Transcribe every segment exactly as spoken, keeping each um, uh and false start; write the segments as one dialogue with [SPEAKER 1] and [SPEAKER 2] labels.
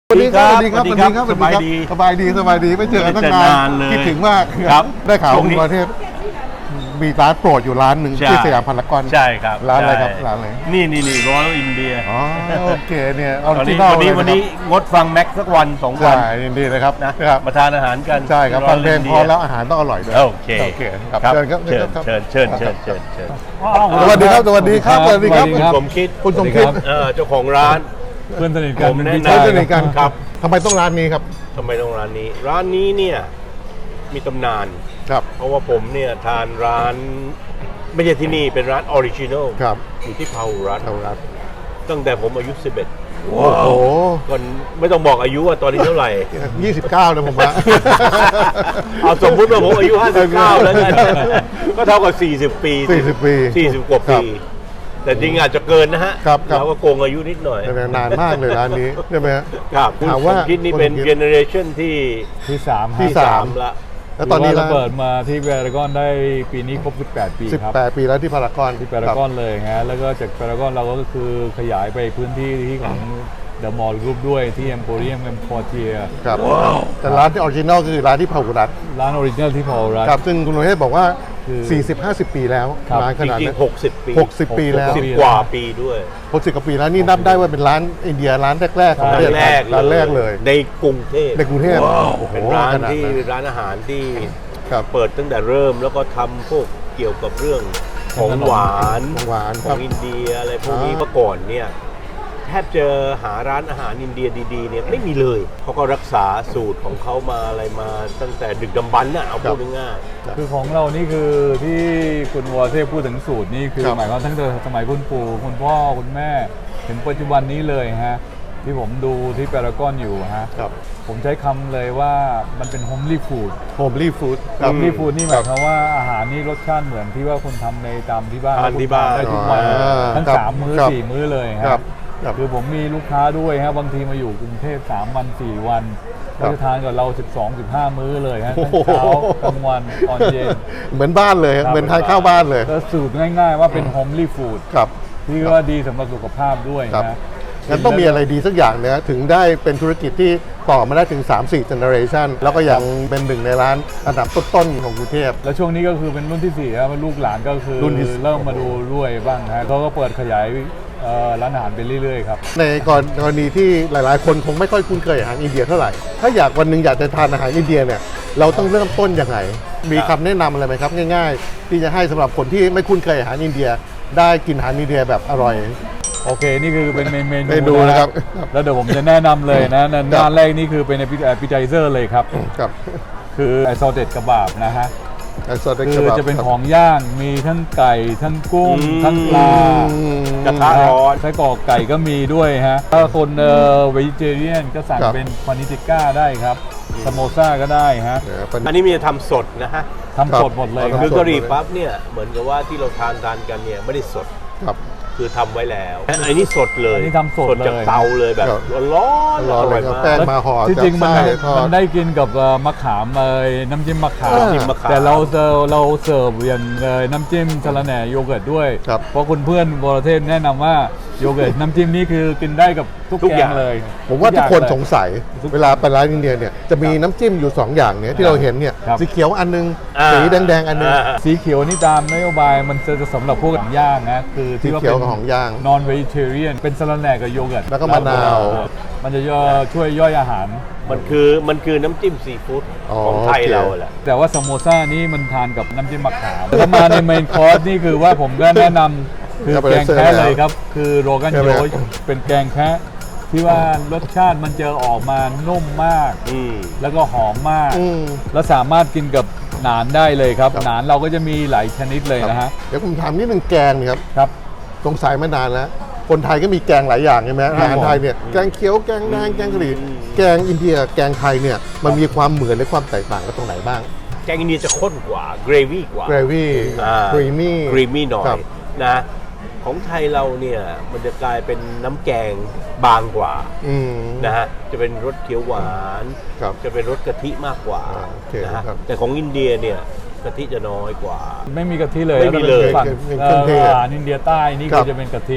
[SPEAKER 1] สวัสดีครับสวัสดีครับสวัสดีครับสบายดีสบายดีสบายดีไม่เจอกันตั้งนานคิดถึงมากครับได้ข่าวคุณประเทศมีร้านโปรดอยู่ร้านหนึ่งที่สยามพารากอน
[SPEAKER 2] ใช่ครับ
[SPEAKER 1] ร้านอะไรครับร้านอะไร
[SPEAKER 2] นี่นี่นี่ร้อยอินเดีย
[SPEAKER 1] อ๋อโอเคเนี่ยออริ
[SPEAKER 2] วัน
[SPEAKER 1] จิ
[SPEAKER 2] นี้
[SPEAKER 1] นอล
[SPEAKER 2] วันนี้วันนี้งดฟังแม็กสักวันสองวัน
[SPEAKER 1] ใช่ยินดีเลยครับ
[SPEAKER 2] นะครับมาทานอาหารกัน
[SPEAKER 1] ใช่ครับฟังเพลงพอแล้วอาหารต้องอร่อยด้วย
[SPEAKER 2] โอเค
[SPEAKER 1] โอเคครับ
[SPEAKER 2] เชิญ
[SPEAKER 1] ครับ
[SPEAKER 2] เชิญเชิญเชิญเชิญเชิญเชิญ
[SPEAKER 1] สวัสดีครับสวัสดีครับสวัสดีครับ
[SPEAKER 2] คุณสมคิด
[SPEAKER 1] คุณสมคิด
[SPEAKER 2] เออเจ้าของร้าน
[SPEAKER 3] เพื่อนสนิทกัน
[SPEAKER 2] ผมแนะนำ
[SPEAKER 1] เพื่อนสนิทกันครับทำไมต้องร้านนี้ครับ
[SPEAKER 2] ทำไมต้องร้านนี้ ร้านนี้เนี่ยมีตำนาน
[SPEAKER 1] ครับ
[SPEAKER 2] เพราะว่าผมเนี่ยทานร้านไม่ใช่ที่นี่เป็นร้านออริจินอล
[SPEAKER 1] ครับ
[SPEAKER 2] อยู่ที่พาหุรัตน์
[SPEAKER 1] เท่ารัฐ
[SPEAKER 2] ตั้งแต่ผมอายุสิบเอ็ด
[SPEAKER 1] โอ้โห
[SPEAKER 2] ก่อนไม่ต้องบอกอายุว่าตอนนี้เท่าไหร่
[SPEAKER 1] ยี่สิบเก้านะผมว่า
[SPEAKER 2] เอาสมมุติว่าผมอายุห้าสิบเก้าแล้วกันก็เท่ากับสี่สิบปี
[SPEAKER 1] สี่สิบปี
[SPEAKER 2] สี่สิบกว่า
[SPEAKER 1] ครั
[SPEAKER 2] ปี
[SPEAKER 1] บ
[SPEAKER 2] แต่จริงอาจจะเกินนะฮะ
[SPEAKER 1] ครับครับ
[SPEAKER 2] เราก็โกงอายุนิดหน่อย
[SPEAKER 1] แต่นานมากเลยร้านนี้ใช่ไหมฮะ
[SPEAKER 2] ครับคุณ
[SPEAKER 1] ถามว่า
[SPEAKER 2] สมคิดนี่เป็น
[SPEAKER 1] คุณสมคิด
[SPEAKER 2] เจเนอเรชันที่
[SPEAKER 3] ที่สาม
[SPEAKER 1] ที่
[SPEAKER 3] ครับ
[SPEAKER 1] สาม
[SPEAKER 2] ละ
[SPEAKER 1] แล้วตอนนี้
[SPEAKER 3] เรา
[SPEAKER 1] ร้าน
[SPEAKER 3] เปิดมาที่พารากอนได้ปีนี้ครบสิบแปดปี
[SPEAKER 1] สิบ
[SPEAKER 3] ครับ
[SPEAKER 1] แปดปีแล้วที่พารากอน
[SPEAKER 3] ที่พารากอนเลยฮะแล้วก็จากพารากอนเราก็คือขยายไปพื้นที่ที่ของเดอะมอลล์กรุ๊ปด้วยที่เอ็มโพเรียมเอ็มคอเทีย
[SPEAKER 1] ครับแต่ร้านที่ออริจินอลคือร้านที่พาหุรัตน์
[SPEAKER 3] ร้านออริจินัลที่พอรั
[SPEAKER 1] ครับซึ่งคุณโรเทศบอกว่า
[SPEAKER 3] คือ
[SPEAKER 1] สี่สิบห้าสิบ ปีแล้ว
[SPEAKER 3] ครับ
[SPEAKER 1] ร้านข
[SPEAKER 2] จ
[SPEAKER 1] นาด
[SPEAKER 2] ริง
[SPEAKER 1] นั้น
[SPEAKER 2] ๆหกสิบปี
[SPEAKER 1] หกสิบ ปีแล้ว
[SPEAKER 2] สิบกว่าปีด้วย
[SPEAKER 1] หกสิบกว่าปีแล้วนี่นับได้ว่าเป็นร้านอินเดียร้านแรกๆของประเทศ
[SPEAKER 2] ร้านแรก
[SPEAKER 1] ร้านแรกเลย
[SPEAKER 2] ในกรุงเทพ
[SPEAKER 1] ในกรุงเทพโอ้โห
[SPEAKER 2] เป็นร้าน
[SPEAKER 1] ขนาด
[SPEAKER 2] ที่
[SPEAKER 1] นั้น
[SPEAKER 2] ร้านอาหารที่
[SPEAKER 1] ครับ
[SPEAKER 2] เปิดตั้งแต่เริ่มแล้วก็ทำพวกเกี่ยวกับเรื่องของหวาน
[SPEAKER 1] ของหวาน
[SPEAKER 2] ข
[SPEAKER 1] ค
[SPEAKER 2] อ
[SPEAKER 1] รับ
[SPEAKER 2] งอินเดียอะไรพวกนี้
[SPEAKER 1] อ่า
[SPEAKER 2] เมื่อก่อนเนี่ยแทบจะหาร้านอาหารอินเดียดีๆเนี่ยไม่มีเลยเขาก็รักษาสูตรของเขามาอะไรมาตั้งแต่ดึกดำบรรพ์น่ะเอาพูดง่าย
[SPEAKER 3] คือของเรานี่คือที่คุณวอเทพพูดถึงสูตรนี่คือ
[SPEAKER 1] ครับ
[SPEAKER 3] หมายความตั้งแต่สมัยคุณปู่คุณพ่อคุณแม่ถึงปัจจุบันนี้เลยฮะที่ผมดูที่พารากอนอยู่ฮะ
[SPEAKER 1] ครับ
[SPEAKER 3] ผมใช้คำเลยว่ามันเป็นโฮมลี่ฟู้ด
[SPEAKER 1] โฮมลี่ฟู้ด
[SPEAKER 3] โฮมลี่ฟู้ดนี่หมายความว่าอาหารนี่รสชาติเหมือนที่ว่าคุณทำในตามที่บ้าน
[SPEAKER 2] ทานที่บ้าน
[SPEAKER 3] ได้ทุกวัน
[SPEAKER 1] อ่า
[SPEAKER 3] ทั้ง
[SPEAKER 1] ครับ
[SPEAKER 3] สามมื้อ
[SPEAKER 1] ครับ
[SPEAKER 3] สี่มื้อเลย
[SPEAKER 1] ครั
[SPEAKER 3] ฮะ
[SPEAKER 1] บครับ
[SPEAKER 3] คือผมมีลูกค้าด้วยฮะบางทีมาอยู่กรุงเทพสามวันสี่วัน
[SPEAKER 1] ครั
[SPEAKER 3] ก็
[SPEAKER 1] บ
[SPEAKER 3] จะทานกับเราสิบสอง สิบห้ามื้อเลยฮะ
[SPEAKER 1] โอ้
[SPEAKER 3] ทั้ง
[SPEAKER 1] โห
[SPEAKER 3] เช้ากลางวันตอนเย็น
[SPEAKER 1] เหมือนบ้านเลย เหมือนทานข้าวบ้านเลย
[SPEAKER 3] ก็สูตรง่ายๆว่าเป็นโฮมลี่ฟู้ด
[SPEAKER 1] ครับ
[SPEAKER 3] ที่ว่าดีสำหรับสุขภาพด้วย
[SPEAKER 1] ครับ
[SPEAKER 3] นะ
[SPEAKER 1] งั้นต้องมีอะไรดีสักอย่างนะถึงได้เป็นธุรกิจที่ต่อมาได้ถึง สามสี่ generation แล้วก็ยังเป็นหนึ่งในร้านอันดับต้นๆของกรุงเทพ
[SPEAKER 3] แล้วช่วงนี้ก็คือเป็นรุ่นที่สี่ครับลูกหลานก็คือ
[SPEAKER 1] รุ่นที่สี่
[SPEAKER 3] เริ่มมาดูด้วยบ้างฮะเขาก็เปิดขยายเอ่อร้านอาหารไปเรื่อยๆครับ
[SPEAKER 1] ในกรณีที่หลายๆ คนคงไม่ค่อยคุ้นเคยอาหารอินเดียเท่าไหร่ ถ้าอยากวันหนึ่งอยากจะทานอาหารอินเดียเนี่ยเราต้องเริ่มต้นยังไง มีคำแนะนำอะไรไหมครับ ง่ายๆ ที่จะให้สำหรับคนที่ไม่คุ้นเคยอาหารอินเดีย ได้กินอาหารอินเดียแบบอร่อย
[SPEAKER 3] โอเค นี่คือเป็นเมนู
[SPEAKER 1] เมนูนะครับ
[SPEAKER 3] แล้วเดี๋ยวผมจะแนะนำเลยนะหน้าแรกนี่คือเป็น appetizer เลยครับ
[SPEAKER 1] ครับ
[SPEAKER 3] คือไอซอเต็ดกระบาบนะฮะ
[SPEAKER 1] ไอซอสเต็ก
[SPEAKER 3] คื
[SPEAKER 1] กระ
[SPEAKER 3] อ
[SPEAKER 1] บับ
[SPEAKER 3] จะเป็นของย่างมีทั้งไก่ ทั้งกุ้ง
[SPEAKER 2] อืม
[SPEAKER 3] ทั้งปลา
[SPEAKER 1] อืม
[SPEAKER 2] กระทะร้อน
[SPEAKER 3] ไส้กรอกไก่ก็มีด้วยฮะ ถ้าคนเอ่อเวจิเทเรียนก็สั่ง
[SPEAKER 1] ครับ
[SPEAKER 3] เป็นพานิติก้าได้ครับสโมซ่าก็ได้ฮะ
[SPEAKER 1] เดี๋ยวเป็น
[SPEAKER 2] ๆ อันนี้มีจะทำสดนะฮะ
[SPEAKER 3] ทำสดหมดเลย
[SPEAKER 1] ครับ
[SPEAKER 3] ค
[SPEAKER 2] คื
[SPEAKER 3] รับ
[SPEAKER 2] อกะหรี่ปั๊บเนี่ยเหมือนกับว่าที่เราทานทานกันเนี่ยไม่ได้สด
[SPEAKER 1] ครับ
[SPEAKER 2] คือทำไว้แล้วอันนี้สดเลย
[SPEAKER 3] อันนี้ทำสดเลย
[SPEAKER 2] จากเตาเลยแบบ
[SPEAKER 1] ครับ
[SPEAKER 2] ร้อนๆ
[SPEAKER 1] ร้อน
[SPEAKER 2] อ
[SPEAKER 1] เล
[SPEAKER 2] ร่อย ย
[SPEAKER 1] ครับ
[SPEAKER 2] มาก
[SPEAKER 1] แป้งมาห่อ
[SPEAKER 3] ที่
[SPEAKER 1] จาก
[SPEAKER 3] จริงมัน
[SPEAKER 1] ไส้ทอ
[SPEAKER 3] มั
[SPEAKER 1] ด
[SPEAKER 3] นได้กินกับเอ่อมะขามเอ่ยน้ำจิ้มมะขาม
[SPEAKER 1] อ่า
[SPEAKER 2] จิ้มมะขาม
[SPEAKER 3] แต่เราเสิร์ฟเราเสิร์ฟอย่างเอ่อน้ำจิ้มสะระแหน่โยเกิร์ตด้วย
[SPEAKER 1] ครับ
[SPEAKER 3] เพราะคุณเพื่อนวรเทพแนะนำว่าโยเกิร์ตน้ำจิ้มนี่คือกินได้กับทุก
[SPEAKER 2] ทุก
[SPEAKER 3] แก
[SPEAKER 2] อย่าง ง
[SPEAKER 3] เลย
[SPEAKER 1] ผมว่าทุกคนสง
[SPEAKER 3] ย
[SPEAKER 1] สัย เวลาไปร้านอินเดียเนี่ยจะมีน้ำจิ้มอยู่สองอย่างเนี่ยที่เราเห็นเนี่ย
[SPEAKER 3] ครับ
[SPEAKER 1] สีเขียวอันนึง
[SPEAKER 2] อ่า
[SPEAKER 1] สีแดงๆอันนึง
[SPEAKER 2] อ่า
[SPEAKER 3] สีเขียวนี่ตามนโยบายมันจะสำหรับพวกของย่างนะคือที่ว่า
[SPEAKER 1] สีเขียว
[SPEAKER 3] เป็น
[SPEAKER 1] ของย่าง
[SPEAKER 3] นอนเวจิเทเรียนเป็นสะระแหน่กับโยเกิร์ต
[SPEAKER 1] แล้วก็มะนาว
[SPEAKER 3] มันจะย่อช่วยย่อยอาหาร
[SPEAKER 2] มันคือมันคือน้ำจิ้มซีฟู้ด
[SPEAKER 1] อ๋อ
[SPEAKER 2] ของไทย
[SPEAKER 1] โอเค
[SPEAKER 2] เราแหละ
[SPEAKER 3] แต่ว่าสโมซ่านี่มันทานกับน้ำจิ้มมะขามแต่ถ้ามาในเมนคอร์สนี่คือว่าผมก็แนะนำคือแกงแคะเลยครับ คือโรกันโยชเป็นแกงแคะที่ว่ารสชาติมันจะออกมานุ่มมาก
[SPEAKER 2] อืม
[SPEAKER 3] แล้วก็หอมมาก
[SPEAKER 1] อืม
[SPEAKER 3] แล้วสามารถกินกับหนานได้เลยครับ
[SPEAKER 1] ครับ
[SPEAKER 3] หนานเราก็จะมีหลายชนิดเลยนะฮะ
[SPEAKER 1] เดี๋ยวผมถามนิดนึงแกงเนี่ยครับ
[SPEAKER 3] ครับ
[SPEAKER 1] สงสัยมานานแล้ว คนไทยก็มีแกงหลายอย่างใช่ไหมอาหารไทยเนี่ยแกงเขียวแกงแดงแกงกะหรี่
[SPEAKER 2] อืม
[SPEAKER 1] แกงอินเดียแกงไทยเนี่ยมันมีความเหมือนและความแตกต่างกันตรงไหนบ้าง
[SPEAKER 2] แกงอินเดียจะข้นกว่าเกรวี่กว่า
[SPEAKER 1] เกรวี่
[SPEAKER 2] อ่า
[SPEAKER 1] ครีมมี่
[SPEAKER 2] ครีมมี่หน่อ
[SPEAKER 1] ครั
[SPEAKER 2] ย
[SPEAKER 1] บ
[SPEAKER 2] นะของไทยเราเนี่ยมันจะกลายเป็นน้ำแกงบางกว่า
[SPEAKER 1] อืม
[SPEAKER 2] นะฮะจะเป็นรสเขียวหวาน
[SPEAKER 1] ครับ
[SPEAKER 2] จะเป็นรสกะทิมากกว่า
[SPEAKER 1] อ่าโอเค
[SPEAKER 2] นะฮะ
[SPEAKER 1] ครับ
[SPEAKER 2] แต่ของอินเดียเนี่ยกะทิจะน้อยกว่า
[SPEAKER 3] ไม่มีกะทิเลย
[SPEAKER 2] ไม่มีเลย
[SPEAKER 3] ฝั่ง
[SPEAKER 1] เป็น
[SPEAKER 3] เอ่
[SPEAKER 1] เครื่องเทศ
[SPEAKER 3] ออาหารอินเดียใต้นี่
[SPEAKER 1] ครั
[SPEAKER 3] ก็
[SPEAKER 1] บ
[SPEAKER 3] จะเป็นกะทิ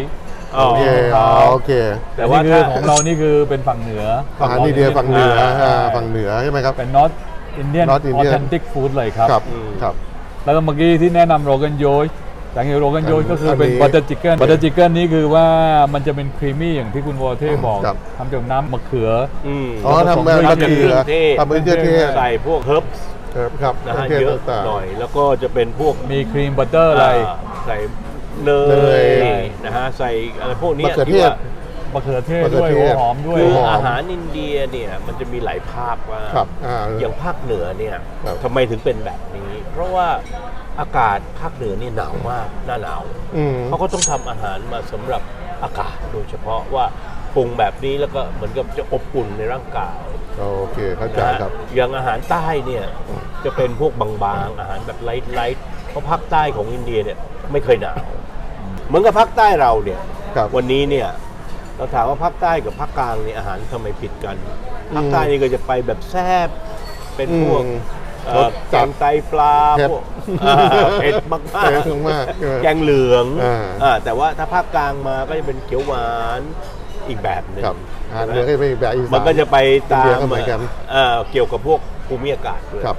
[SPEAKER 2] อ๋อ
[SPEAKER 1] โอเคอ๋อโอเค
[SPEAKER 2] แต่ว่า
[SPEAKER 3] นี่คือ
[SPEAKER 2] ถ้า
[SPEAKER 3] ของเรานี่คือเป็นฝั่งเหนือ
[SPEAKER 1] อาหารอินเดียฝั่งเหนือ
[SPEAKER 2] อ่า
[SPEAKER 1] อ่าฝั่งเหนือใช่ไหมครับ
[SPEAKER 3] เป็น North Indian
[SPEAKER 1] North Indian
[SPEAKER 3] authentic food เลยครับ
[SPEAKER 1] ครับ
[SPEAKER 2] อืม
[SPEAKER 1] ครับ
[SPEAKER 3] แล้วก็เมื่อกี้ที่แนะนำโรกันโยชอย่างโรกันโยชก็คือเป็น
[SPEAKER 1] อันนี้
[SPEAKER 3] บัตเตอร์ชิคเก้นบัตเตอร์ชิคเก้นนี่คือว่ามันจะเป็นครีมมี่อย่างที่คุณวอเท่บอก
[SPEAKER 1] ครับ
[SPEAKER 3] ทำจากน้ำมะเขือ
[SPEAKER 2] อืม
[SPEAKER 1] อ๋อทำแบบ
[SPEAKER 3] ผสม
[SPEAKER 1] มะเขือ
[SPEAKER 2] เครื่องเทศ
[SPEAKER 1] ทำเป็นเครื่องเทศ
[SPEAKER 2] ใส่พวกเฮิร์บ
[SPEAKER 1] ครับ
[SPEAKER 2] นะฮะ
[SPEAKER 1] เครื่อง
[SPEAKER 2] เย
[SPEAKER 1] เท
[SPEAKER 2] อะ
[SPEAKER 1] ศต่างๆ
[SPEAKER 2] หน่อย แล้วก็จะเป็นพวก
[SPEAKER 3] มีครีมบัตเตอร์อะไร
[SPEAKER 2] าใส่เน
[SPEAKER 1] เน
[SPEAKER 2] ย
[SPEAKER 1] ย
[SPEAKER 2] นะฮะใส่อะไรพวกนี้
[SPEAKER 1] มะเขือเท
[SPEAKER 2] ที่
[SPEAKER 1] ศ
[SPEAKER 2] ว่า
[SPEAKER 3] มะเขือเทศ
[SPEAKER 1] มะเขื
[SPEAKER 3] ด้
[SPEAKER 1] อ
[SPEAKER 3] วย
[SPEAKER 1] เท
[SPEAKER 3] หัว
[SPEAKER 1] ศ
[SPEAKER 3] หอมด้วย
[SPEAKER 2] คือ
[SPEAKER 1] หอม
[SPEAKER 2] อาหารอินเดียเนี่ยมันจะมีหลายภาคว่าก
[SPEAKER 1] ครับอ่า
[SPEAKER 2] อย่างภาคเหนือเนี่ย
[SPEAKER 1] ครับ
[SPEAKER 2] ทำไมถึงเป็นแบบนี้ เพราะว่าอากาศภาคเหนือเนี่ยหนาวมากหน้าหนาว
[SPEAKER 1] อืม
[SPEAKER 2] เขาก็ต้องทำอาหารมาสำหรับอากาศโดยเฉพาะว่าปรุงแบบนี้แล้วก็เหมือนกับจะอบอุ่นในร่างกาย
[SPEAKER 1] โอเคเข้าใจ
[SPEAKER 2] นะฮะ
[SPEAKER 1] ครับ
[SPEAKER 2] อย่างอาหารใต้เนี่ยจะเป็นพวกบางๆอาหารแบบไลท์ๆเพราะภาคใต้ของอินเดียเนี่ยไม่เคยหนาว เหมือนกับภาคใต้เราเนี่ย
[SPEAKER 1] ครับ
[SPEAKER 2] วันนี้เนี่ยเราถามว่าภาคใต้กับภาคกลางเนี่ยอาหารทำไมผิดกันภาคใต้นี่ก็จะไปแบบแซ่บเป็นพวก
[SPEAKER 1] อืม
[SPEAKER 2] เอ่
[SPEAKER 1] ร
[SPEAKER 2] อ
[SPEAKER 1] ส
[SPEAKER 2] แก
[SPEAKER 1] จัด
[SPEAKER 2] งไตปลา
[SPEAKER 1] เผ็ด
[SPEAKER 2] พวกอ่าเผ็ดมาก
[SPEAKER 1] เผ็ดมากเออ
[SPEAKER 2] แกงเหลือง
[SPEAKER 1] อ่า
[SPEAKER 2] อ่าแต่ว่าถ้าภาคกลางมาก็จะเป็นเขียวหวานอีกแบบหนึ่ง
[SPEAKER 1] ครับอาหาร
[SPEAKER 2] ใช่ไหม
[SPEAKER 1] เหนือก็เป็นแบบอีสาน
[SPEAKER 2] มันก็จะไปตา
[SPEAKER 1] อินเดี
[SPEAKER 2] ม
[SPEAKER 1] ยก็เหมือนกัน
[SPEAKER 2] เอ่อเกี่ยวกับพวกภูมิอากาศด้วย
[SPEAKER 1] ครับ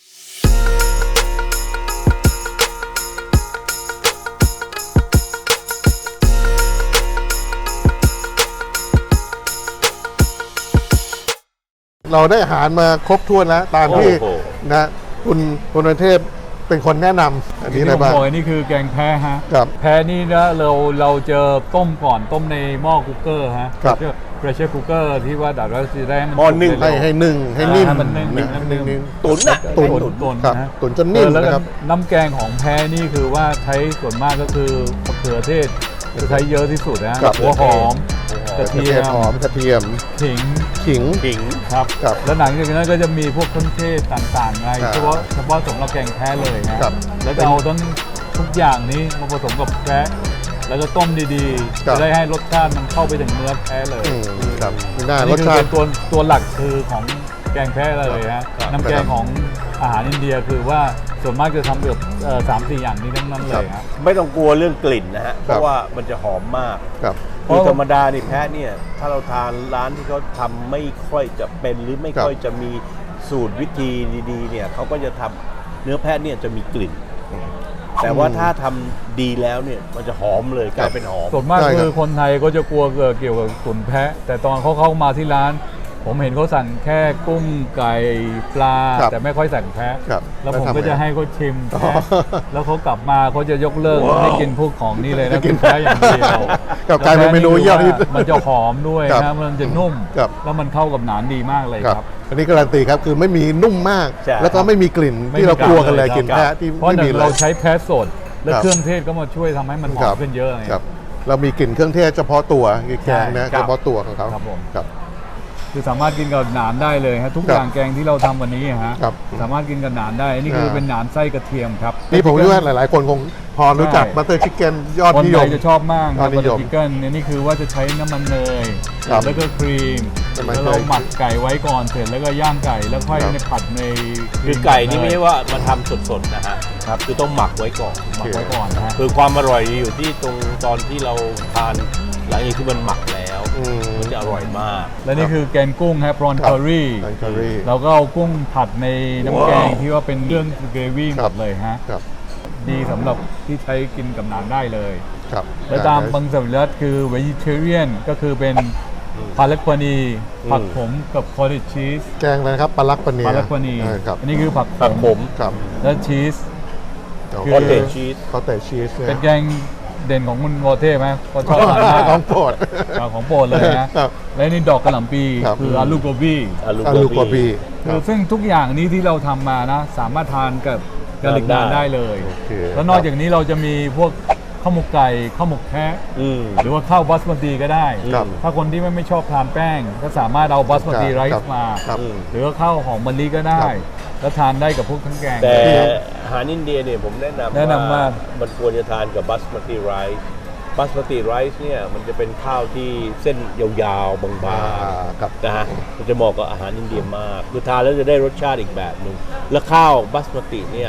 [SPEAKER 1] เราได้อาหารมาครบถ้วนแล้ว ตามที่
[SPEAKER 2] โอ้โห
[SPEAKER 1] นะคุณคุณวันเทพเป็นคนแนะนำอันนี้อะไร
[SPEAKER 3] ที่ผม
[SPEAKER 1] บ้าง
[SPEAKER 3] บอกนี่คือแกงแพ้ฮะ
[SPEAKER 1] ครับ
[SPEAKER 3] แพ้นี่นะเราเราเจอต้มก่อนต้มในหม้อคุกเกอร์ฮะ
[SPEAKER 1] ครับ
[SPEAKER 3] เพรสเชอร์คุกเกอร์ที่ว่าดัดว่าจะได้มัน
[SPEAKER 2] หม้อนึ่ง
[SPEAKER 3] สุก
[SPEAKER 1] ให้
[SPEAKER 3] เร็ว
[SPEAKER 1] ให้นึ่งให้นิ่ม
[SPEAKER 3] ให้มันนึ่ง
[SPEAKER 1] ะ
[SPEAKER 3] ให้มันนึ่ง
[SPEAKER 1] นิ่ม
[SPEAKER 2] ตุ๋นน่ะ
[SPEAKER 1] ตุ๋น
[SPEAKER 3] ตุ๋นตุ๋น
[SPEAKER 1] ครับ
[SPEAKER 3] นะ
[SPEAKER 1] ตุ๋นจนนิ่ม
[SPEAKER 3] เออแล้วก็
[SPEAKER 1] นะครับ
[SPEAKER 3] น้ำแกงของแพ้นี่คือว่าใช้ส่วนมากก็คือมะเขือเทศจะใช้เยอะที่สุดนะครับ หัวหอมกระ
[SPEAKER 1] กระ
[SPEAKER 3] เที
[SPEAKER 1] เที
[SPEAKER 3] ย
[SPEAKER 1] ยม
[SPEAKER 3] ม
[SPEAKER 1] หอมกระเทียม
[SPEAKER 3] ขิง
[SPEAKER 1] ขิง
[SPEAKER 2] ขิง
[SPEAKER 3] ครับ
[SPEAKER 1] ครับ
[SPEAKER 3] แล้วหลังจากนั้นก็จะมีพวกเครื่องเทศต่างๆไง
[SPEAKER 1] ครับ
[SPEAKER 3] เฉพาะเฉพาะสำหรับแกงแพ้เลยนะครับ แล้วก็เอาทั้งทุกอย่างนี้มาผสมกับแพ้แล้วก็ต้มดีๆ
[SPEAKER 1] ครับ
[SPEAKER 3] จะได้ให้รสชาติมันเข้าไปถึงเนื้อแพ้เลย
[SPEAKER 1] อืมครับนี่น่า
[SPEAKER 3] อัน
[SPEAKER 1] ร
[SPEAKER 3] นี่
[SPEAKER 1] ส
[SPEAKER 3] คือ
[SPEAKER 1] ชา
[SPEAKER 3] เป็
[SPEAKER 1] ติ
[SPEAKER 3] นตัวตัวหลักคือของแกงแพ้เลยฮะ
[SPEAKER 2] ครับ
[SPEAKER 3] น้ำแกงของอาหารอินเดียคือว่าส่วนมากจะทำแบบเอ่อสามสี่อย่างนี้ทั้งนั้นเลยฮะ
[SPEAKER 2] ไม่ต้องกลัวเรื่องกลิ่นนะฮะ เพ
[SPEAKER 1] ครับ
[SPEAKER 2] ราะว่ามันจะหอมมาก
[SPEAKER 1] ครับ
[SPEAKER 2] คือธรรมดานี่แพะเนี่ยถ้าเราทานร้านที่เขาทำไม่ค่อยจะเป็นหรือไม่ค่อยจะมีสูตรวิธีดีๆเนี่ยเขาก็จะทำเนื้อแพะเนี่ยจะมีกลิ่น แต่ว่าถ้าทำดีแล้วเนี่ยมันจะหอมเลยกลายเป็นหอม
[SPEAKER 3] ส่วนมาก
[SPEAKER 1] ใช่ครับ
[SPEAKER 3] คือคนไทยก็จะกลัวเกี่ยวกับตุ๋นแพะ แต่ตอนเขาเข้ามาที่ร้าน ผมเห็นเขาสั่งแค่กุ้งไก่ปลา
[SPEAKER 1] ครับ
[SPEAKER 3] แต่ไม่ค่อยสั่งแพะ
[SPEAKER 1] ครับ
[SPEAKER 3] แล้วผม
[SPEAKER 1] แล้วทำไง
[SPEAKER 3] ก็จะให้เขาชิม
[SPEAKER 1] อ๋อ
[SPEAKER 3] แพะแล้วเขากลับมาเขาจะยกเลิก
[SPEAKER 2] ว้าว
[SPEAKER 3] ไม่กินพวกของนี่เลย
[SPEAKER 1] ไม่
[SPEAKER 3] นะ
[SPEAKER 1] กิ
[SPEAKER 3] กิ
[SPEAKER 1] น
[SPEAKER 3] นแพะอย่างเดียว
[SPEAKER 1] กับกลายเป็นเมนูยอดฮิต
[SPEAKER 3] มันจะหอมด้วย
[SPEAKER 1] ครับ
[SPEAKER 3] นะมันจะนุ่ม
[SPEAKER 1] ครับ
[SPEAKER 3] แล้วมันเข้ากับหนานดีมากเลย
[SPEAKER 1] ครับ
[SPEAKER 3] ครับ
[SPEAKER 1] อันนี้การันตีครับคือไม่มีนุ่มมาก
[SPEAKER 2] ใช่
[SPEAKER 1] แล้วก็ไม่มีกลิ่น
[SPEAKER 3] ไม่
[SPEAKER 1] ที่เรา
[SPEAKER 3] มี
[SPEAKER 1] กลัวกันเลย
[SPEAKER 3] ครับ
[SPEAKER 1] กลิ่นแพะที่
[SPEAKER 3] เพราะ
[SPEAKER 1] ไม่
[SPEAKER 3] หนึ่
[SPEAKER 1] มี
[SPEAKER 3] ง
[SPEAKER 1] เลย
[SPEAKER 3] เราใช้แพะสด และ
[SPEAKER 1] ครับ
[SPEAKER 3] เครื่องเทศก็มาช่วยทำให้มันหอ
[SPEAKER 1] ครั
[SPEAKER 3] ม
[SPEAKER 1] บ
[SPEAKER 3] ขึ้นเยอะไง
[SPEAKER 1] ครับเรามีกลิ่นเครื่องเทศเฉพาะตัวแกงนะ
[SPEAKER 3] ใช่ครับ
[SPEAKER 1] เฉพาะตัวของเขา
[SPEAKER 3] ครับผม
[SPEAKER 1] ครับ
[SPEAKER 3] คือสามารถกินกับหนานได้เลยฮะทุก
[SPEAKER 1] ครับ
[SPEAKER 3] อย่างแกงที่เราทำวันนี้ฮะ
[SPEAKER 1] ครับ
[SPEAKER 3] สามารถกินกับหนานได้อันนี่คือ
[SPEAKER 1] อ่า
[SPEAKER 3] เป็นหนานไส้กระเทียมครับ
[SPEAKER 1] นี่ผมคิดว่าหลาย ๆ คนคงพอรู้จัก
[SPEAKER 3] ใช่
[SPEAKER 1] บัตเตอร์ชิคเก้นยอด
[SPEAKER 3] คน
[SPEAKER 1] นิย
[SPEAKER 3] ไท
[SPEAKER 1] ม
[SPEAKER 3] ยจะชอบมากค
[SPEAKER 1] ยอ
[SPEAKER 3] รั
[SPEAKER 1] ด
[SPEAKER 3] บ
[SPEAKER 1] นิ
[SPEAKER 3] บัต
[SPEAKER 1] ย
[SPEAKER 3] เตอ
[SPEAKER 1] ม
[SPEAKER 3] ร์ชิคเก้นนี่คือว่าจะใช้น้ำมันเนย
[SPEAKER 1] ครับ
[SPEAKER 3] แล้วก็ครีม
[SPEAKER 1] น้ำมัน
[SPEAKER 3] แล้วเรา
[SPEAKER 1] เนย
[SPEAKER 3] หมักไก่ไว้ก่อนเสร็จแล้วก็ย่างไก่แล้วค่อย
[SPEAKER 1] ครับ
[SPEAKER 3] ในผัดใน
[SPEAKER 2] คือไก่นี่ไม่ใช่ว่ามาทำสดๆนะฮะ
[SPEAKER 3] ครับ
[SPEAKER 2] คือต้องหมักไว้ก่อน
[SPEAKER 3] หมักไว้ก่อนนะฮะ
[SPEAKER 2] คือความอร่อยอยู่ที่ตรงตอนที่เราทานหลังจากที่มันหมักแล้ว
[SPEAKER 1] อืม
[SPEAKER 2] มันจะอร่อยมาก
[SPEAKER 3] และนี่คือแกงกุ้งฮะพรอน
[SPEAKER 1] ครับ
[SPEAKER 3] เคอรี่
[SPEAKER 1] แกง curry
[SPEAKER 3] เราก็เอากุ้งผัดในน้ำแกง
[SPEAKER 2] ว้าว
[SPEAKER 3] ที่ว่าเป็นเรื่องเกรวี่ห
[SPEAKER 1] ค
[SPEAKER 3] ม
[SPEAKER 1] รับ
[SPEAKER 3] ดเลยฮะ
[SPEAKER 1] ครับ
[SPEAKER 3] ดีสำหรับที่ใช้กินกับหนานได้เลย
[SPEAKER 1] ครับ
[SPEAKER 3] และตามบางสวิรัตคือ vegetarian ก็คือเป็นพาลักปานีผักขมกับคอร์ดิชีส
[SPEAKER 1] แกงอะไรนะครับปลาลักปะเนีย
[SPEAKER 3] พาลักปานี
[SPEAKER 1] เออครับ
[SPEAKER 3] อันนี้คือผัก
[SPEAKER 2] ผักขม
[SPEAKER 1] ครับ
[SPEAKER 3] และชีส คือ
[SPEAKER 2] คอตเทจชีส
[SPEAKER 1] เขาแต่ชีส
[SPEAKER 3] เป็นแกงเด่นของคุณวอเท่ไหมก็ชอบทานมาก
[SPEAKER 1] ของโปรด
[SPEAKER 3] อ่าของโปรดเลยนะครับ และนี่ดอกกระหล่ำปี
[SPEAKER 1] ครับ
[SPEAKER 3] คืออาลูโกบี
[SPEAKER 2] อาลู
[SPEAKER 1] อา
[SPEAKER 2] โก
[SPEAKER 1] ลูกวาบี
[SPEAKER 2] บี
[SPEAKER 1] ค
[SPEAKER 3] คื
[SPEAKER 1] รั
[SPEAKER 3] อบ ซึ่งทุกอย่างนี้ที่เราทำมานะ สามารถทานกับกะหรี่นานได้เลย
[SPEAKER 1] โอเค
[SPEAKER 3] แล้วนอกจากนี้เราจะมีพวกข้าวหมกไก่ข้าวหมกแพะ
[SPEAKER 2] อืม
[SPEAKER 3] หรือว่าข้าวบาสมติก็ได้
[SPEAKER 1] ครับ
[SPEAKER 3] ถ้าคนที่ไม่ไม่ชอบทานแป้ง ก็สามารถเอาบาสมติไร
[SPEAKER 1] ครับ
[SPEAKER 3] ซ์มา
[SPEAKER 1] ครับ
[SPEAKER 2] อืม
[SPEAKER 3] หรือว่าข้าวหอมมะลิก็ได้
[SPEAKER 1] ครับ
[SPEAKER 3] แล้วทานได้กับพวกทั้งแกง
[SPEAKER 2] แต่อาหารอินเดียเนี่ยผมแนะนำ
[SPEAKER 3] แนะนำว่า
[SPEAKER 2] มันควรจะทานกับบัสมาติไรซ์บัสมาติไรซ์เนี่ยมันจะเป็นข้าวที่เส้นยาวๆ บาง
[SPEAKER 1] อ่าครับ
[SPEAKER 2] ๆนะฮะมันจะเหมาะกับอาหารอินเดียมากคือทานแล้วจะได้รสชาติอีกแบบหนึ่งแล้วข้าวบัสมาติเนี่ย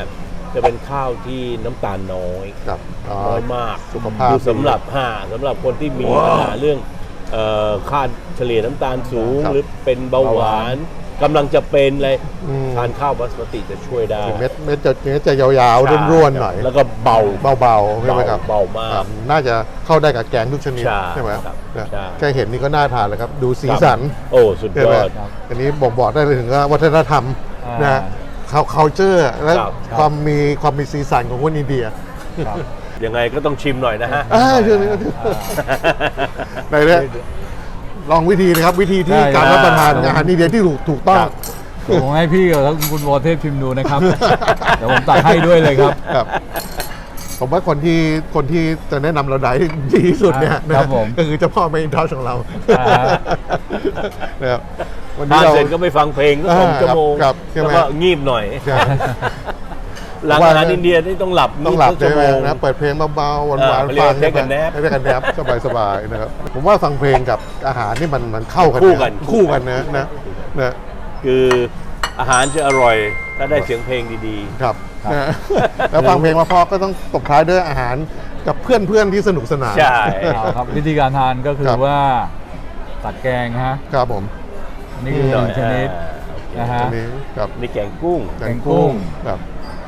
[SPEAKER 2] จะเป็นข้าวที่น้ำตาลน้อย
[SPEAKER 1] ครับอ๋อ
[SPEAKER 2] น้อยมาก
[SPEAKER 1] สุขภาพ
[SPEAKER 2] คือสำหรับห้าสำหรับคนที่มีปัญหาเรื่องเอ่อค่าเฉลี่ยน้ำตาลสูง
[SPEAKER 1] ครับ
[SPEAKER 2] หรือเป็นเบาหวานกำลังจะเป็นอะไร
[SPEAKER 1] อืม
[SPEAKER 2] ทานข้าวบาสมติจะช่วยได้
[SPEAKER 1] เม็ดเม็ดจะเม็ดจะยาวๆร่วนๆหน่อย
[SPEAKER 2] แล้วก็เบา
[SPEAKER 1] เบาๆใช่ไหมครับ
[SPEAKER 2] เบามาก
[SPEAKER 1] ครับน่าจะเข้าได้กับแกงทุกชนิด
[SPEAKER 2] ใช่
[SPEAKER 1] ใช่ไหม
[SPEAKER 2] ครับ
[SPEAKER 1] เนี่ย
[SPEAKER 2] ใช่
[SPEAKER 1] แค่เห็นนี่ก็น่าทานแล้วครับ ดูสีสัน
[SPEAKER 2] โอ้สุด
[SPEAKER 1] ใช่
[SPEAKER 2] ย
[SPEAKER 1] ไหม
[SPEAKER 2] อด
[SPEAKER 1] อันนี้บ่งบอกได้เลยถึงว่าวัฒนธรรม
[SPEAKER 3] อ่าน
[SPEAKER 1] นะฮะ culture และ
[SPEAKER 2] ครับ
[SPEAKER 1] ความมีความมีสีสันของคนอินเดีย
[SPEAKER 3] ครับ
[SPEAKER 2] ยังไงก็ต้องชิมหน่อยนะฮะ
[SPEAKER 1] อ่าเชื่อเลยไหนเนี่ยลองวิธีนะครับ วิธีที่
[SPEAKER 3] ได้
[SPEAKER 1] การรับประทาน
[SPEAKER 3] ได้
[SPEAKER 1] อาหารอินเดียที่ถูกถูกต้อง
[SPEAKER 2] ครับ
[SPEAKER 3] ผมให้พี่กับคุณวรเทพชิมดูนะครับ เดี๋ยวผมตักให้ด้วยเลยครับ
[SPEAKER 1] ครับ ผมว่าคนที่คนที่จะแนะนำเราได้ดีที่สุดเนี่ยนะครับ
[SPEAKER 3] ผม
[SPEAKER 1] ก็คือเจ้าพ่อเมนทอชของเรา
[SPEAKER 3] อ่า
[SPEAKER 1] นะครับวัน
[SPEAKER 2] ทา
[SPEAKER 1] นี้
[SPEAKER 2] น
[SPEAKER 1] เรา
[SPEAKER 2] เสร็จก็ไปฟังเพลงก็สอง
[SPEAKER 1] อ่า
[SPEAKER 2] ชั่วโมง
[SPEAKER 1] ครับใช่ไหม
[SPEAKER 2] แล้วก็งีบหน่อย
[SPEAKER 1] ใช่
[SPEAKER 2] หลังอาหารอินเดียนี่ต้องหลับ
[SPEAKER 1] ต้องหลับ
[SPEAKER 2] ชั่
[SPEAKER 1] ใช่
[SPEAKER 2] ว
[SPEAKER 1] ไหม
[SPEAKER 2] โมง
[SPEAKER 1] นะเปิดเพลงเบาๆหวาน
[SPEAKER 2] เอ
[SPEAKER 1] หวา
[SPEAKER 2] อน เขาเรียก
[SPEAKER 1] ฟัง
[SPEAKER 2] ว่า take a nap
[SPEAKER 1] เรียกกันแนบสบายๆนะครับ ผมว่าฟังเพลงกับอาหารนี่มันมันเข้ากัน
[SPEAKER 2] คู่กัน
[SPEAKER 1] ะคู่กันนะนะนะ
[SPEAKER 2] คืออาหารจะอร่อยถ้าได้เสียงเพลงดี
[SPEAKER 1] ครับนะแล้วฟังเพลงมาพอก็ต้องตบท้ายด้วยอาหารกับเพื่อนๆที่สนุกสนาน
[SPEAKER 2] ๆ ใช่
[SPEAKER 3] เอาครับวิธีการทานก็คื
[SPEAKER 1] ครั
[SPEAKER 3] อบ ว่าตักแกงฮะ
[SPEAKER 1] ครับผม
[SPEAKER 3] อันนี่คือหนึ่งชนิด นะฮะ
[SPEAKER 1] อันนี้ครับ
[SPEAKER 2] นี่แกงกุ้ง
[SPEAKER 3] แกงกุ้ง
[SPEAKER 1] ครับ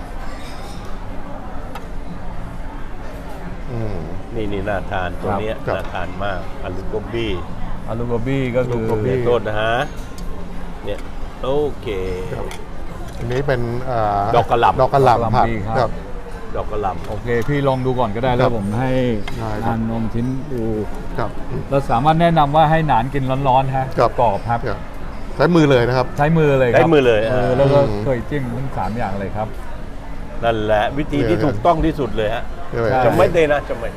[SPEAKER 1] อืม
[SPEAKER 2] นี่นี่น่าทานตัวเนี้ย
[SPEAKER 1] ครับ
[SPEAKER 2] น่าทานมากอาลูโกบี้
[SPEAKER 3] อาลูโกบี้ก็คือ
[SPEAKER 1] อาลูโกบี้
[SPEAKER 2] โทษนะฮะเนี่ยโอเค
[SPEAKER 1] อันนี้เป็นอ่า
[SPEAKER 2] ดอกกะหล่ำ
[SPEAKER 1] ดอกกระหล่ำผัด
[SPEAKER 3] ดีครับ
[SPEAKER 1] ครับ
[SPEAKER 2] ดอกกระหล่ำ
[SPEAKER 3] โอเค พี่ลองดูก่อนก็ได้
[SPEAKER 1] ค
[SPEAKER 3] แล้
[SPEAKER 1] รั
[SPEAKER 3] ว
[SPEAKER 1] บ
[SPEAKER 3] ผมให้
[SPEAKER 1] ได้ครับ
[SPEAKER 3] ทานนมชิ้นดู
[SPEAKER 1] ครับ
[SPEAKER 3] เราสามารถแนะนำว่าให้หนานกินร้อนๆฮะ
[SPEAKER 1] ครับ
[SPEAKER 3] กรอบครับ
[SPEAKER 1] ครับใช้มือเลยนะครับ
[SPEAKER 3] ใช้มือเลยครับ
[SPEAKER 2] ใช้มือเลย
[SPEAKER 3] เออ
[SPEAKER 2] อ่า
[SPEAKER 3] แล้วก็
[SPEAKER 1] อืม
[SPEAKER 3] เคยจิ้มทั้งสามอย่างเลยครับ
[SPEAKER 2] นั่นแหละวิธีที่ถูกต้องที่สุดเลยฮะ
[SPEAKER 1] ใช่ไหม
[SPEAKER 3] ใช่
[SPEAKER 2] จะไม่เดนะจะไม่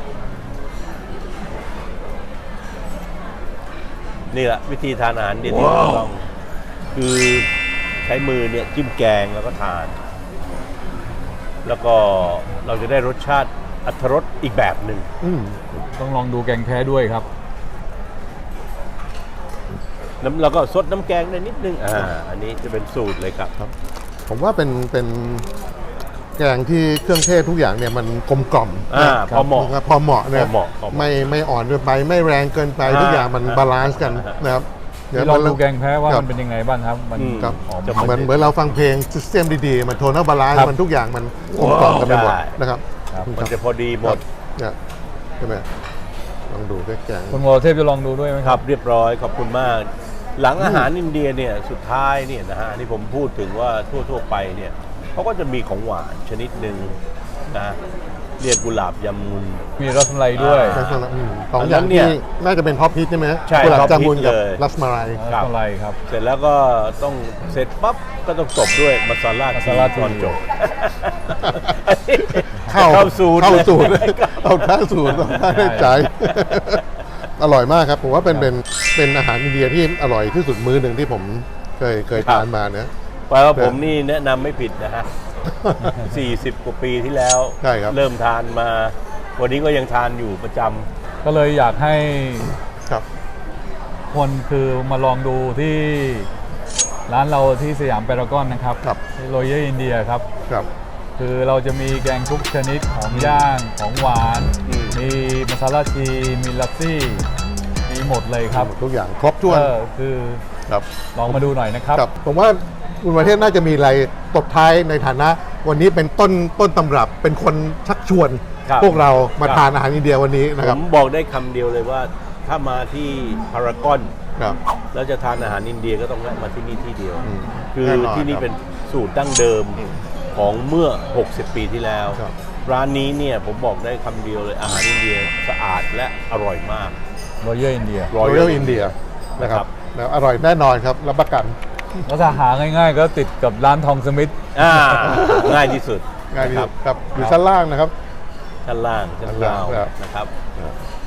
[SPEAKER 2] นี่แหละวิธีทานอาหารเดียวที่ถูกต้อง คือใช้มือเนี่ยจิ้มแกงแล้วก็ทาน แล้วก็เราจะได้รสชาติอรรถรสอีกแบบหนึ่ง
[SPEAKER 1] อืม
[SPEAKER 3] ต้องลองดูแกงแพ้ด้วยครับ
[SPEAKER 2] น้ำแล้วก็ซดน้ำแกงได้นิดนึงอ่าอันนี้จะเป็นสูตรเลยครับ
[SPEAKER 1] ผมว่าเป็นเป็นแกงที่เครื่องเทศทุกอย่างเนี่ยมันกลมกล่อม
[SPEAKER 2] อ่า
[SPEAKER 1] นะ
[SPEAKER 2] พอเหมาะ
[SPEAKER 1] พอเหมาะนะ
[SPEAKER 2] พอเหมาะพอเหมาะ
[SPEAKER 1] ไม่ไม่อ่อนเกินไปไม่แรงเกินไป
[SPEAKER 2] อ่า
[SPEAKER 1] ทุกอย่างมัน
[SPEAKER 2] อ่า
[SPEAKER 1] บาลานซ์กันนะครับ
[SPEAKER 3] พี่ลองดูแกงแพ้ว่า
[SPEAKER 1] ครับ
[SPEAKER 3] มันเป็นยังไงบ้างครับ มัน
[SPEAKER 2] อืม
[SPEAKER 1] ครับ
[SPEAKER 3] หอม
[SPEAKER 2] จะ
[SPEAKER 1] เหมือนเหมือนเราฟังเพลงซิสเต็มดีๆ มันโทนบาลานซ์
[SPEAKER 3] ครับ
[SPEAKER 1] มันทุกอย่างมันกลมกล่อมกันไปหมด
[SPEAKER 2] ใช่
[SPEAKER 1] นะครับ
[SPEAKER 3] ครับ
[SPEAKER 2] มันจะพอดีหมด
[SPEAKER 1] เนี่ยใช่ไหมลองดูแค่แกง
[SPEAKER 3] คุณวรเทพจะลองดูด้วยไหม
[SPEAKER 2] ค
[SPEAKER 3] ค
[SPEAKER 2] รั
[SPEAKER 3] รั
[SPEAKER 2] บบ เรียบร้อยขอบคุณมาก หลังอาหารอินเดียเนี่ยสุดท้ายเนี่ยนะฮะอันนี่ผมพูดถึงว่าทั่วๆไปเนี่ยเขาก็จะมีของหวานชนิดหนึ่งนะเรียกกุหลาบยามุน
[SPEAKER 3] มีรสมลัยด้วย
[SPEAKER 2] อ่า
[SPEAKER 1] ลักษณะอืมสอง
[SPEAKER 2] อัน
[SPEAKER 1] อ
[SPEAKER 2] นั้
[SPEAKER 1] ย่าง
[SPEAKER 2] นเนี่
[SPEAKER 1] ที่
[SPEAKER 2] ย
[SPEAKER 1] น่าจะเป็นท็อปฮิตใช่ไหม
[SPEAKER 2] ใช่
[SPEAKER 1] กุหลาบ
[SPEAKER 2] ท็อป
[SPEAKER 1] จามุน
[SPEAKER 2] ฮิต
[SPEAKER 1] กับ
[SPEAKER 2] เลย
[SPEAKER 1] รัสมาลัย
[SPEAKER 3] รสมลัยครับ
[SPEAKER 2] เสร็จแล้วก็ต้องเสร็จปั๊บก็ต้องจบด้วยมาซาลา
[SPEAKER 3] มาซาลาที
[SPEAKER 2] ตอนจบ
[SPEAKER 1] เข้า
[SPEAKER 2] เข้าสูตร
[SPEAKER 1] เข้าสูตร
[SPEAKER 2] เลย
[SPEAKER 1] เอาเข้าสูตรต้องได้ใจ อร่อยมากครับ ผมว่าเป็นเป็นเป็นอาหารอินเดียที่อร่อยที่สุดมื้อหนึ่งที่ผมเคยเคยทานมานะ
[SPEAKER 2] แปลว่าผมนี่แนะนำไม่ผิดนะฮะ สี่สิบ กว่าปีที่แล้ว
[SPEAKER 1] ใช่ครับ
[SPEAKER 2] เริ่มทานมา วันนี้ก็ยังทานอยู่ประจ
[SPEAKER 3] ก็เลยอยากให้
[SPEAKER 1] ครับ
[SPEAKER 3] คนคือมาลองดูที่ร้านเราที่สยามพารากอนนะครับ
[SPEAKER 1] ครับ
[SPEAKER 3] โรยเยอร์อินเดียครับ
[SPEAKER 1] ครับ
[SPEAKER 3] คือเราจะมีแกงทุกชนิดของย่างของหวาน
[SPEAKER 2] อืม
[SPEAKER 3] มีมาซาลาทีมีลัสซี่ มีหมดเลยครับ
[SPEAKER 1] ทุกอย่างครบถ้วน
[SPEAKER 3] เออคือ
[SPEAKER 1] ครับ
[SPEAKER 3] ลองมาดูหน่อยนะครับ
[SPEAKER 1] ครับ ผมว่าคุณประเทศน่าจะมีอะไรตบท้ายในฐานะ วันนี้เป็นต้นต้นตำรับเป็นคนชักชวน
[SPEAKER 2] ครับ
[SPEAKER 1] พวกเรามา
[SPEAKER 2] ครับ
[SPEAKER 1] ทานอาหารอินเดียวันนี้
[SPEAKER 2] ำ
[SPEAKER 1] นะ
[SPEAKER 2] ผ
[SPEAKER 1] ครับ
[SPEAKER 2] มบอกได้คำเดียวเลยว่า ถ้ามาที่พารากอน
[SPEAKER 1] ครับ
[SPEAKER 2] แล้วจะทานอาหารอินเดียก็ต้องแวะมาที่นี่ที่เดียว
[SPEAKER 1] อืม
[SPEAKER 2] คือ
[SPEAKER 1] แน่นอน
[SPEAKER 2] ที่นี่
[SPEAKER 1] ครับ
[SPEAKER 2] เป็นสูตรดั้งเดิมของเมื่อ หกสิบ ปีที่แล้ว
[SPEAKER 1] ครับ
[SPEAKER 2] ร้านนี้เนี่ยผมบอกได้คำเดียวเลยอาหารอินเดียสะอาดและอร่อยมาก
[SPEAKER 3] โรยเยอร์อินเดีย
[SPEAKER 1] รอยัลอินเดียนะครับแล้วอร่อยแน่นอนครับรับประกัน
[SPEAKER 3] แล้วถ้าหาง่ายๆ ก็ติดกับร้านทองสมิธ
[SPEAKER 2] อ่าง่ายที่สุด
[SPEAKER 1] ง่ายดี
[SPEAKER 2] นะครับ
[SPEAKER 1] ครับอยู่ชั้นล่างนะครับ
[SPEAKER 2] ชั้นล่างชั้น
[SPEAKER 1] ชั้นล่า
[SPEAKER 2] ล่าง ง
[SPEAKER 1] ครับ
[SPEAKER 2] นะครับ